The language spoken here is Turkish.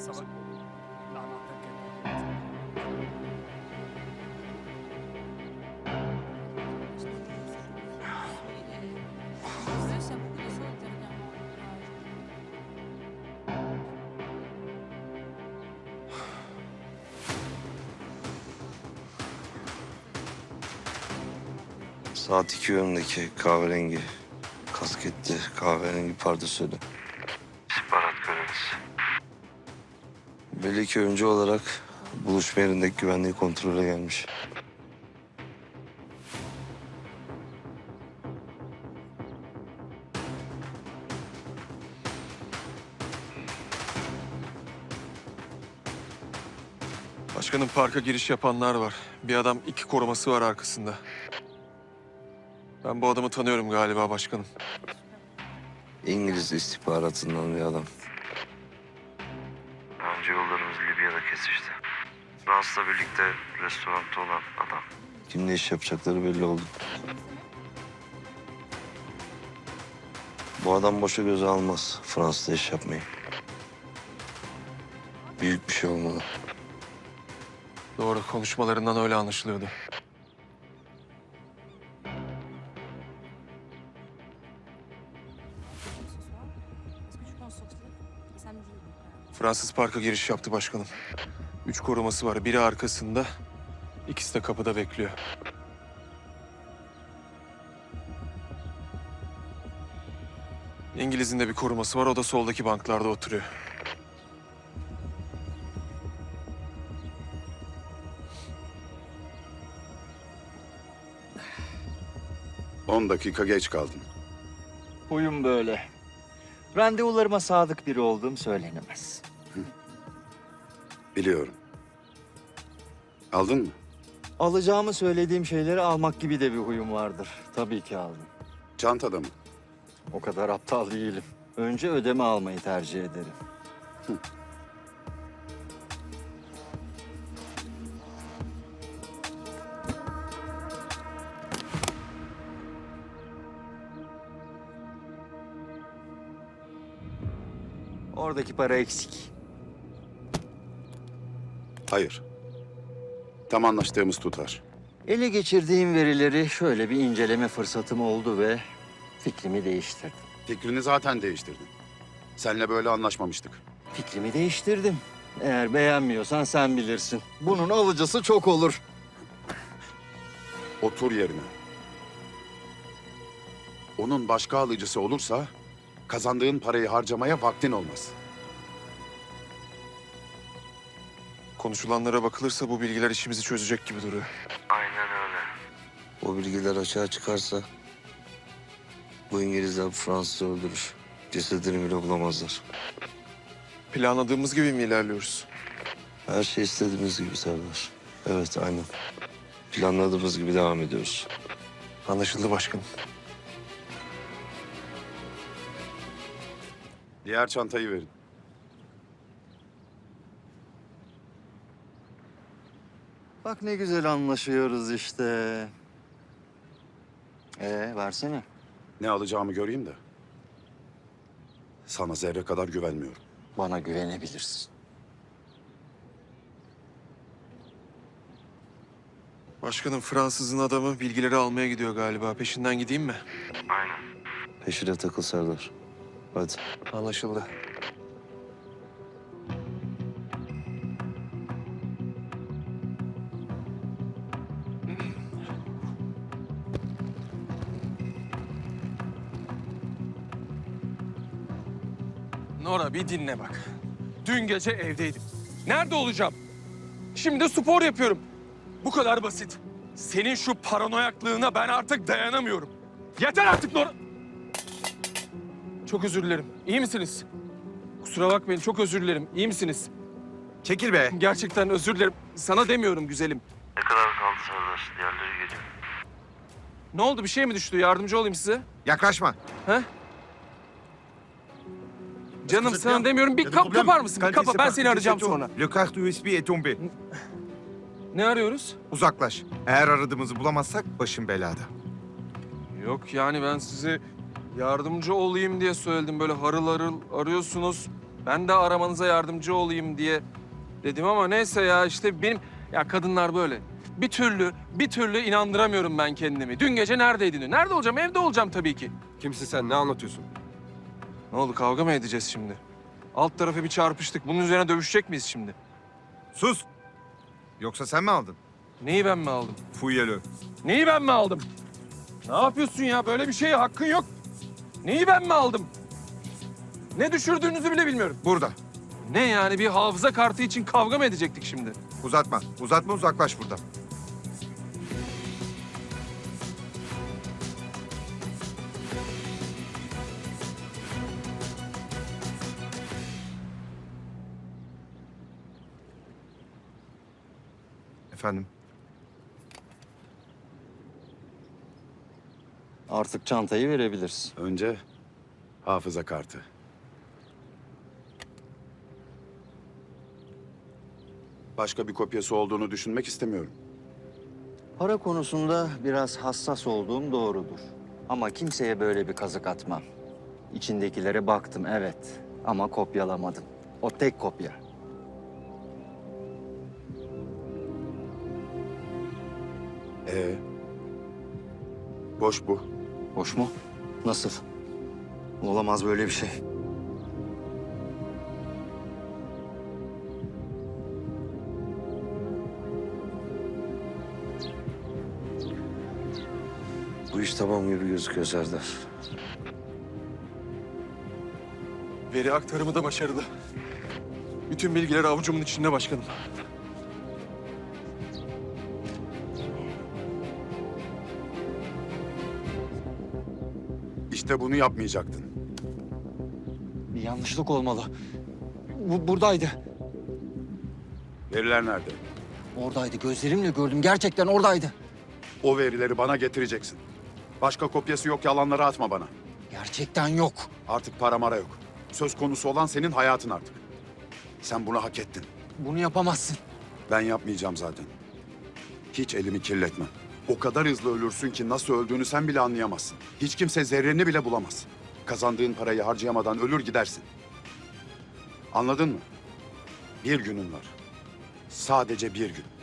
Saat 2 yönündeki kahverengi kasketli, kahverengi pardösülü. İstihbarat görevlisi. Belli ki önce olarak buluşma yerindeki güvenliği kontrole gelmiş. Başkanım, parka giriş yapanlar var. Bir adam, 2 koruması var arkasında. Ben bu adamı tanıyorum galiba başkanım. İngiliz istihbaratından bir adam. Önce yollarımız Libya'da kesişti. Fransız'la birlikte restoranda olan adam. Kimle iş yapacakları belli oldu. Bu adam boşa göze almaz Fransız'da iş yapmayı. Büyük bir şey olmalı. Doğru, konuşmalarından öyle anlaşılıyordu. Fransız parka giriş yaptı başkanım. 3 koruması var. Biri arkasında, ikisi de kapıda bekliyor. İngiliz'in de bir koruması var. O da soldaki banklarda oturuyor. On dakika geç kaldın. Huyum böyle. Randevularıma sadık biri olduğum söylenemez. Biliyorum. Aldın mı? Alacağımı söylediğim şeyleri almak gibi de bir huyum vardır. Tabii ki aldım. Çantada mı? O kadar aptal değilim. Önce ödeme almayı tercih ederim. Oradaki para eksik. Hayır. Tam anlaştığımız tutar. Ele geçirdiğim verileri şöyle bir inceleme fırsatım oldu ve fikrimi değiştirdim. Fikrini zaten değiştirdin. Seninle böyle anlaşmamıştık. Fikrimi değiştirdim. Eğer beğenmiyorsan sen bilirsin. Bunun alıcısı çok olur. Otur yerine. Onun başka alıcısı olursa kazandığın parayı harcamaya vaktin olmaz. Konuşulanlara bakılırsa bu bilgiler işimizi çözecek gibi duruyor. Aynen öyle. O bilgiler açığa çıkarsa bu İngilizler Fransız'ı öldürür. Cesedini bile bulamazlar. Planladığımız gibi mi ilerliyoruz? Her şey istediğimiz gibi Serdar. Evet, aynen. Planladığımız gibi devam ediyoruz. Anlaşıldı başkanım. Diğer çantayı verin. Bak ne güzel anlaşıyoruz işte. Versene. Ne alacağımı göreyim de. Sana zerre kadar güvenmiyorum. Bana güvenebilirsin. Başkanım, Fransız'ın adamı bilgileri almaya gidiyor galiba. Peşinden gideyim mi? Peşine takıl Serdar. Hadi. Anlaşıldı. Nora, bir dinle bak. Dün gece evdeydim. Nerede olacağım? Şimdi de spor yapıyorum. Bu kadar basit. Senin şu paranoyaklığına ben artık dayanamıyorum. Yeter artık Nora! Çok özür dilerim. İyi misiniz? Kusura bakmayın, çok özür dilerim. İyi misiniz? Çekil be. Gerçekten özür dilerim. Sana demiyorum güzelim. Ne kadar kaldı Serdar? Diğerleri geliyor. Ne oldu? Bir şey mi düştü? Yardımcı olayım size. Yaklaşma. He? Canım sana demiyorum. Bir kapar mısın? Bir kapa. Ben seni arayacağım sonra. Le carte USB est tombé. Ne arıyoruz? Uzaklaş. Eğer aradığımızı bulamazsak başın belada. Yok yani ben size yardımcı olayım diye söyledim. Böyle harıl harıl arıyorsunuz. Ben de aramanıza yardımcı olayım diye dedim ama neyse ya işte benim... Ya kadınlar böyle. Bir türlü inandıramıyorum ben kendimi. Dün gece neredeydin diyor. Nerede olacağım? Evde olacağım tabii ki. Kimsin sen? Ne anlatıyorsun? Ne oldu? Kavga mı edeceğiz şimdi? Alt tarafı bir çarpıştık. Bunun üzerine dövüşecek miyiz şimdi? Sus! Yoksa sen mi aldın? Neyi ben mi aldım? Fuyyelö. Neyi ben mi aldım? Ne yapıyorsun ya? Böyle bir şeye hakkın yok. Neyi ben mi aldım? Ne düşürdüğünüzü bile bilmiyorum. Burada. Ne yani bir hafıza kartı için kavga mı edecektik şimdi? Uzatma. Uzatma, uzaklaş buradan. Efendim? Artık çantayı verebilirsin. Önce hafıza kartı. Başka bir kopyası olduğunu düşünmek istemiyorum. Para konusunda biraz hassas olduğum doğrudur. Ama kimseye böyle bir kazık atmam. İçindekilere baktım evet ama kopyalamadım. O tek kopya. Boş bu. Hoş mu? Nasıl? Olamaz böyle bir şey. Bu iş tamam gibi gözüküyor Serdar. Veri aktarımı da başarılı. Bütün bilgiler avucumun içinde başkanım. İşte bunu yapmayacaktın. Bir yanlışlık olmalı. Buradaydı. Veriler nerede? Oradaydı. Gözlerimle gördüm. Gerçekten oradaydı. O verileri bana getireceksin. Başka kopyası yok, yalanları atma bana. Gerçekten yok. Artık para mara yok. Söz konusu olan senin hayatın artık. Sen bunu hak ettin. Bunu yapamazsın. Ben yapmayacağım zaten. Hiç elimi kirletmem. O kadar hızlı ölürsün ki nasıl öldüğünü sen bile anlayamazsın. Hiç kimse zerreni bile bulamaz. Kazandığın parayı harcayamadan ölür gidersin. Anladın mı? Bir günün var. Sadece bir gün.